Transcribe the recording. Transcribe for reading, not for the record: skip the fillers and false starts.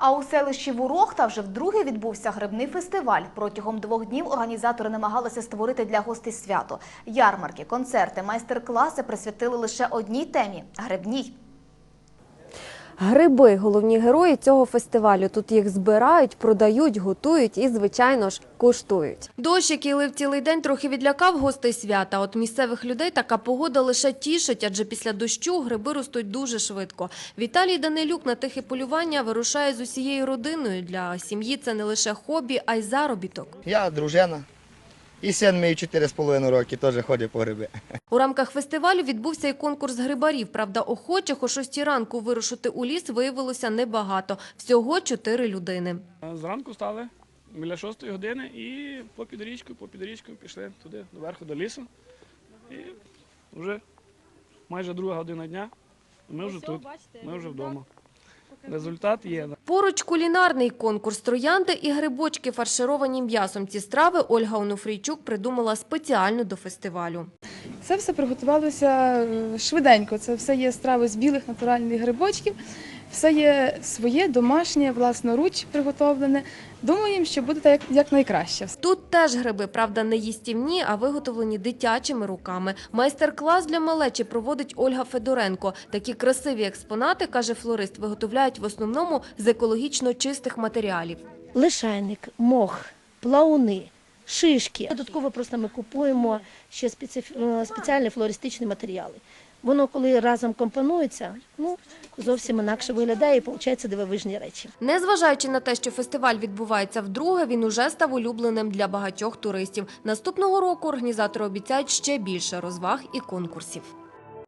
А у селищі Ворохта вже вдруге відбувся грибний фестиваль. Протягом 2 днів організатори намагалися створити для гостей свято. Ярмарки, концерти, майстер-класи присвятили лише одній темі – грибній. Гриби – головні герої цього фестивалю. Тут їх збирають, продають, готують і, звичайно ж, куштують. Дощ, який лив цілий день, трохи відлякав гостей свята. От місцевих людей така погода лише тішить, адже після дощу гриби ростуть дуже швидко. Віталій Данилюк на тихе полювання вирушає з усією родиною. Для сім'ї це не лише хобі, а й заробіток. Я дружина. І син мій 4,5 роки теж ходить по гриби. У рамках фестивалю відбувся і конкурс грибарів. Правда, охочих о 6 ранку вирушити у ліс виявилося небагато. Всього 4 людини. Зранку стали біля 6 години і по під річкою пішли туди, доверху, до лісу. І вже майже 2 година дня, ми вже тут, ми вже вдома. Результат є. Поруч кулінарний конкурс троянди і грибочки, фаршировані м'ясом. Ці страви Ольга Онуфрійчук придумала спеціально до фестивалю. Це все приготувалося швиденько. Це все є страви з білих натуральних грибочків. Все є своє, домашнє, власноруч приготовлене. Думаємо, що буде так як найкраще. Тут теж гриби, правда, не їстівні, а виготовлені дитячими руками. Майстер-клас для малечі проводить Ольга Федоренко. Такі красиві експонати, каже флорист, виготовляють в основному з екологічно чистих матеріалів. Лишайник, мох, плауни, шишки. Додатково просто ми купуємо ще спеціальні флористичні матеріали. Воно, коли разом компонується, зовсім інакше виглядає і виходить дивовижні речі. Незважаючи на те, що фестиваль відбувається вдруге, він уже став улюбленим для багатьох туристів. Наступного року організатори обіцяють ще більше розваг і конкурсів.